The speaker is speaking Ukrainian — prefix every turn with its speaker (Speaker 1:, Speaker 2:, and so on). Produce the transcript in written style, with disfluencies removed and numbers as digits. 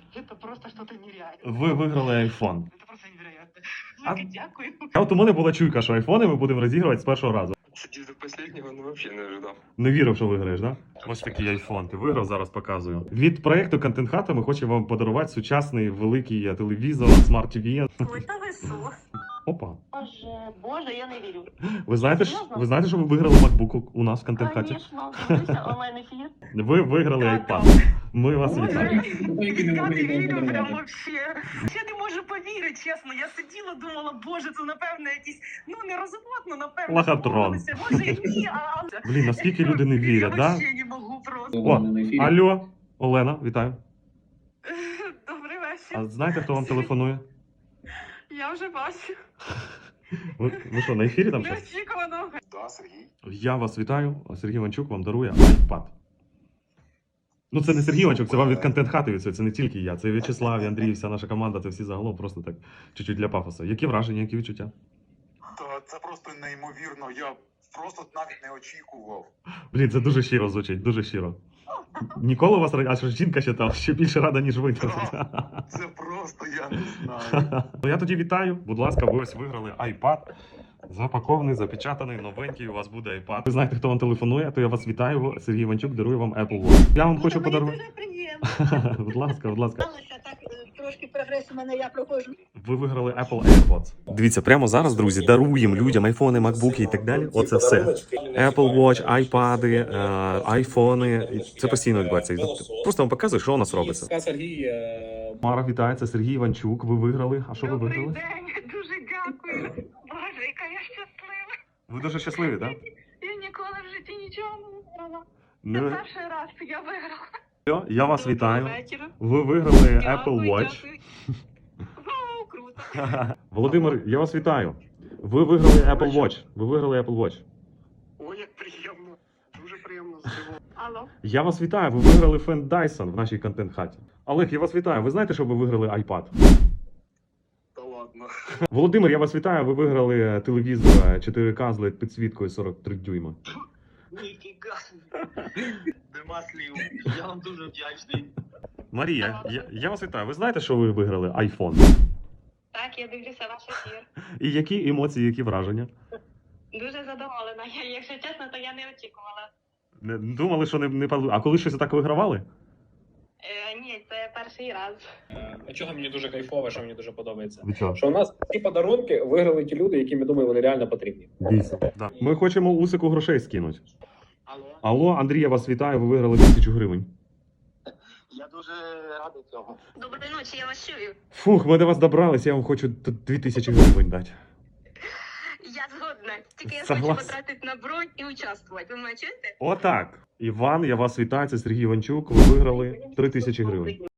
Speaker 1: Это просто что-то нереальное.
Speaker 2: Ви виграли айфон.
Speaker 1: Это просто невероятно.
Speaker 2: А-
Speaker 1: Велике дякую.
Speaker 2: А от у мене була чуйка, що айфони ми будемо розігрувати з першого разу.
Speaker 3: Сидів до последнего, ну вообще не ожидав.
Speaker 2: Не вірив, що виграєш, да? Ось такий айфон. Ти виграв, зараз показую. Від проекту Контент Хата ми хочемо вам подарувати сучасний великий телевізор, смарт TV.
Speaker 1: Ой, та ви що?
Speaker 2: Опа.
Speaker 1: Боже, я не вірю.
Speaker 2: Ви знаєте,
Speaker 1: Серйозно?
Speaker 2: ви знаєте, що ви виграли MacBook у нас в Контент Хаті?
Speaker 1: Конечно, дивлюся онлайн-ефір.
Speaker 2: Ви виграли iPad. Ми вас вітаємо.
Speaker 1: Я не вірю прям вообще. Я не можу повірити, чесно. Я сиділа, думала, боже, це напевно якісь, ну не розводно, напевно.
Speaker 2: Лохотрон.
Speaker 1: домовилися. Може і ні, а...
Speaker 2: Блін, наскільки люди не вірять,
Speaker 1: Я
Speaker 2: да?
Speaker 1: вообще не можу просто.
Speaker 2: О, алло, Олена, вітаю.
Speaker 1: Добрий вечір.
Speaker 2: А знаєте, хто вам телефонує?
Speaker 1: Я вже бачу.
Speaker 2: Ви що, на ефірі там щось?
Speaker 1: Неочікувано.
Speaker 3: Да, Сергій.
Speaker 2: Я вас вітаю. Сергій Іванчук вам дарує iPad. Ну, це не Сергій Іванчук, це вам від Контент Хати від цього. Це не тільки я. Це В'ячеслав, і Андрій, вся наша команда, це всі загалом просто так чуть-чуть для пафосу. Які враження, які відчуття?
Speaker 4: Та це просто неймовірно. Я просто навіть не очікував.
Speaker 2: Блін, це дуже щиро звучить, дуже щиро. Ніколи у вас а що жінка ще там ще більше рада, ніж ви.
Speaker 4: Це просто я не знаю.
Speaker 2: Ну я тоді вітаю. Будь ласка, ви ось виграли iPad. Запакований, запечатаний, новенький, у вас буде iPad. Ви знаєте, хто вам телефонує, то я вас вітаю. Сергій Іванчук дарує вам Apple Watch. Я вам хочу подарувати.
Speaker 1: Дуже приємно.
Speaker 2: Будь ласка, будь ласка.
Speaker 1: Сталося так, трошки прогрес у мене, я проходжу.
Speaker 2: Ви виграли Apple AirPods. Дивіться, прямо зараз, друзі, даруємо людям айфони, макбуки і так далі. Оце все. Apple Watch, айпади, айфони. Це постійно відбувається. Просто вам показую, що у нас робиться.
Speaker 5: Сергій.
Speaker 2: Мара, вітає, це Сергій Іванчук. Ви виграли. А що ви
Speaker 1: Добрий
Speaker 2: виграли?
Speaker 1: день, дуже дякую. Боже, яка я щаслива.
Speaker 2: Ви дуже щасливі, так?
Speaker 1: Я ніколи в житті нічого не виграла. Це
Speaker 2: Ну,
Speaker 1: перший раз я виграла.
Speaker 2: все, я вас вітаю.
Speaker 1: Доброго вечора.
Speaker 2: Ви виграли Apple
Speaker 1: Дякую,
Speaker 2: Watch.
Speaker 1: дякую. Вау, круто.
Speaker 2: Володимир, я вас вітаю. Ви виграли Apple Watch. Ви виграли Apple Watch.
Speaker 3: Ой, як приємно. Дуже приємно здивовано.
Speaker 1: Алло.
Speaker 2: Я вас вітаю. Ви виграли фен Dyson в нашій контент-хаті. Олег, я вас вітаю. Ви знаєте, що ви виграли iPad?
Speaker 3: Та ладно.
Speaker 2: Володимир, я вас вітаю. Ви виграли телевізор 4К з LED підсвіткою 43 дюйма.
Speaker 6: Ніфіга. Нема слів. Я вам дуже вдячний.
Speaker 2: Марія, я вас вітаю. Ви знаєте, що ви виграли iPhone?
Speaker 1: Так, я дивлюся ваш ефір.
Speaker 2: І які емоції, які враження?
Speaker 1: Дуже задоволена. Якщо чесно, то я не очікувала.
Speaker 2: Думали, що не А коли щось так вигравали?
Speaker 1: Ні, це перший раз.
Speaker 5: Чого мені дуже кайфово, що мені дуже подобається.
Speaker 2: Від чого?
Speaker 5: Що у нас ці подарунки виграли ті люди, які, ми думаю, вони реально потрібні.
Speaker 2: Дійсно. Да. Ми хочемо Усику грошей скинути.
Speaker 6: Алло.
Speaker 2: Алло, Андрій, я вас вітаю. Ви виграли 1000 гривень.
Speaker 6: Я дуже радий цього.
Speaker 1: Доброї ночі, я вас чую.
Speaker 2: Фух, ми до вас добрались, я вам хочу 2000 гривень дати.
Speaker 1: Я згодна. Тільки я
Speaker 2: Согласен.
Speaker 1: хочу потратити на бронь і участвувати. Ви мене чуєте?
Speaker 2: Отак. Іван, я вас вітаю, це Сергій Іванчук. Ви виграли 3000 гривень.